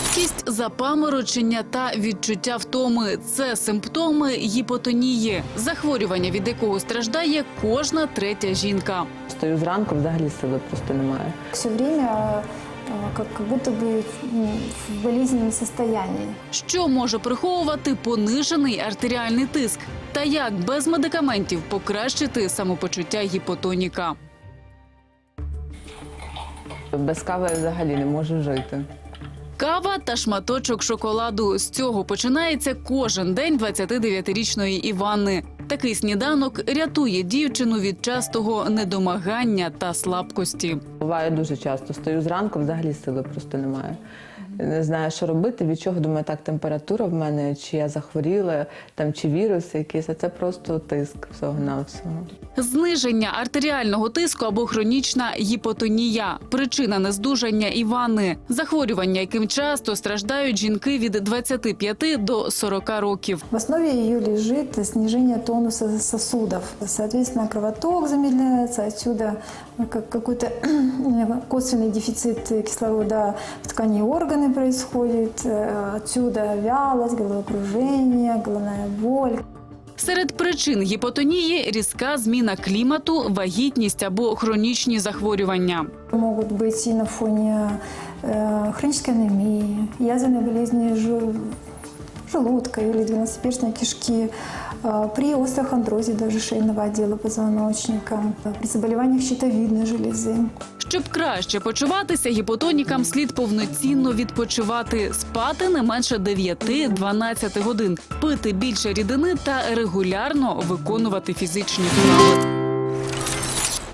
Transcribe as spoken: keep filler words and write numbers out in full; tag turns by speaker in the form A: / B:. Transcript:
A: Слабкість, запаморочення та відчуття втоми – це симптоми гіпотонії, захворювання, від якого страждає кожна третя жінка.
B: Стою зранку, взагалі сили просто немає.
C: Все время как, как будто бы в болезненном состоянии.
A: Що може приховувати понижений артеріальний тиск? Та як без медикаментів покращити самопочуття гіпотоніка?
B: Без кави я взагалі не можу жити.
A: Кава та шматочок шоколаду – з цього починається кожен день двадцятидев'ятирічної Іванни. Такий сніданок рятує дівчину від частого недомагання та слабкості.
B: Буває дуже часто. Стою зранку, взагалі сили просто немає. Не знаю, що робити, від чого, думаю, так, температура в мене, чи я захворіла, там, чи віруси якісь, а це просто тиск всього-навсього.
A: Зниження артеріального тиску або хронічна гіпотонія – причина нездужання Іванни. Захворювання, яким часто страждають жінки від двадцяти п'яти до сорока років.
C: В основе ее лежит снижение тонуса сосудов. Соответственно, кровоток замедляется, отсюда как какой-то косвенный дефицит кислорода в ткани органы происходит, отсюда вялость, головокружение, головная боль.
A: Серед причин гіпотонії – різка зміна клімату, вагітність або хронічні захворювання.
C: Могут быть и на фоне э, хронической анемии, язвенной болезни жел- желудка или двенадцатиперстной кишки, э, при остеохондрозе даже шейного отдела позвоночника, при заболеваниях щитовидной железы.
A: Щоб краще почуватися, гіпотонікам слід повноцінно відпочивати, спати не менше дев'яти-дванадцяти годин, пити більше рідини та регулярно виконувати фізичні вправи.